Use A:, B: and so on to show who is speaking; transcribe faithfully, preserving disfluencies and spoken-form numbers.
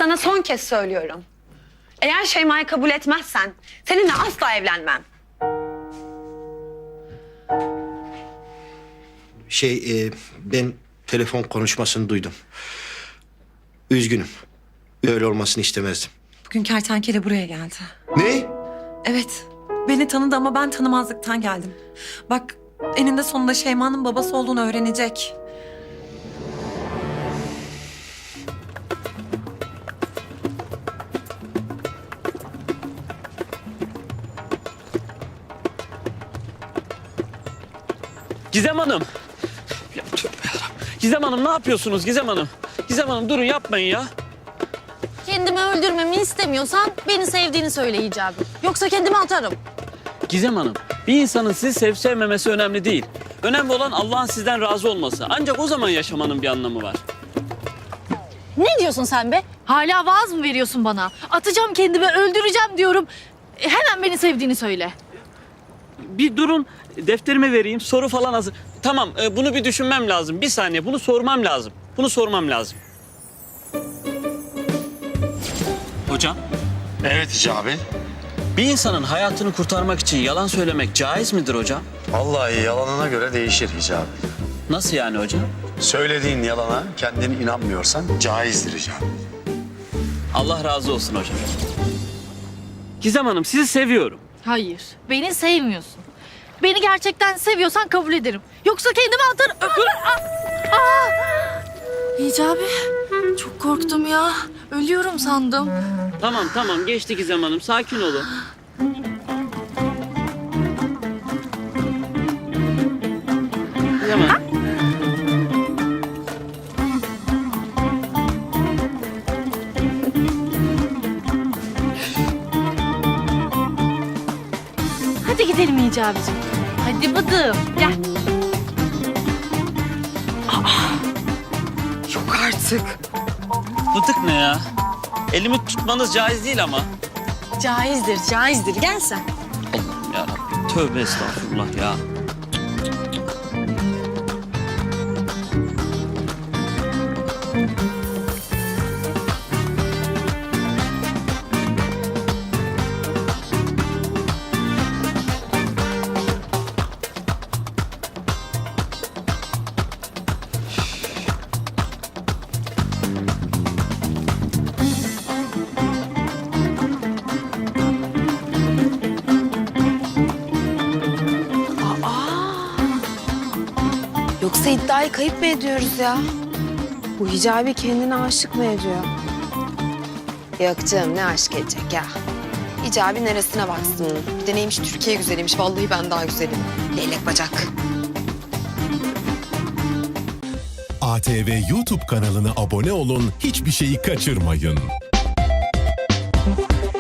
A: Sana son kez söylüyorum. Eğer Şeyma'yı kabul etmezsen seninle asla evlenmem.
B: Şey, e, ben telefon konuşmasını duydum. Üzgünüm. Böyle olmasını istemezdim.
C: Bugün kertenkele buraya geldi.
B: Ne?
C: Evet, beni tanıdı ama ben tanımazlıktan geldim. Bak, eninde sonunda Şeyma'nın babası olduğunu öğrenecek.
D: Gizem Hanım. Ya, tövbe yarabbim. Gizem Hanım ne yapıyorsunuz Gizem Hanım? Gizem Hanım durun yapmayın ya.
E: Kendimi öldürmemi istemiyorsan beni sevdiğini söyle Hicabi. Yoksa kendimi atarım.
D: Gizem Hanım bir insanın sizi sevip sevmemesi önemli değil. Önemli olan Allah'ın sizden razı olması. Ancak o zaman yaşamanın bir anlamı var.
E: Ne diyorsun sen be? Hala vaaz mı veriyorsun bana? Atacağım kendimi, öldüreceğim diyorum. E, hemen beni sevdiğini söyle.
D: Bir durun defterime vereyim soru falan hazır. Tamam e, bunu bir düşünmem lazım. Bir saniye bunu sormam lazım. Bunu sormam lazım. Hocam
F: Evet Hicabi.
D: bir insanın hayatını kurtarmak için yalan söylemek caiz midir hocam?
F: Vallahi yalanına göre değişir Hicabi.
D: Nasıl yani hocam?
F: Söylediğin yalana kendin inanmıyorsan caizdir Hicabi.
D: Allah razı olsun hocam. Gizem Hanım sizi seviyorum.
E: Hayır, beni sevmiyorsun. Beni gerçekten seviyorsan kabul ederim. Yoksa kendimi atarım. Aa! Aa! Hicabi, çok korktum ya. Ölüyorum sandım.
D: Tamam tamam geçti Gizem Hanım sakin olun. Gizem Hanım.
E: Hadi gidelim Hicabi'cim. Hadi bıdım, gel.
C: Yok artık.
D: Bıdık ne ya? Elimi tutmanız caiz değil ama.
E: Caizdir, caizdir. Gel sen.
D: Allah'ım yarabbim tövbe estağfurullah ya.
G: Yoksa iddiayı kayıp mı ediyoruz ya? Bu Hicabi kendine aşık mı ediyor? Yok canım ne aşk edecek ya? Hicabi neresine baksın? Bir de neymiş Türkiye güzeliymiş. Vallahi ben daha güzelim. Leylek bacak.
H: A T V YouTube kanalına abone olun, hiçbir şeyi kaçırmayın.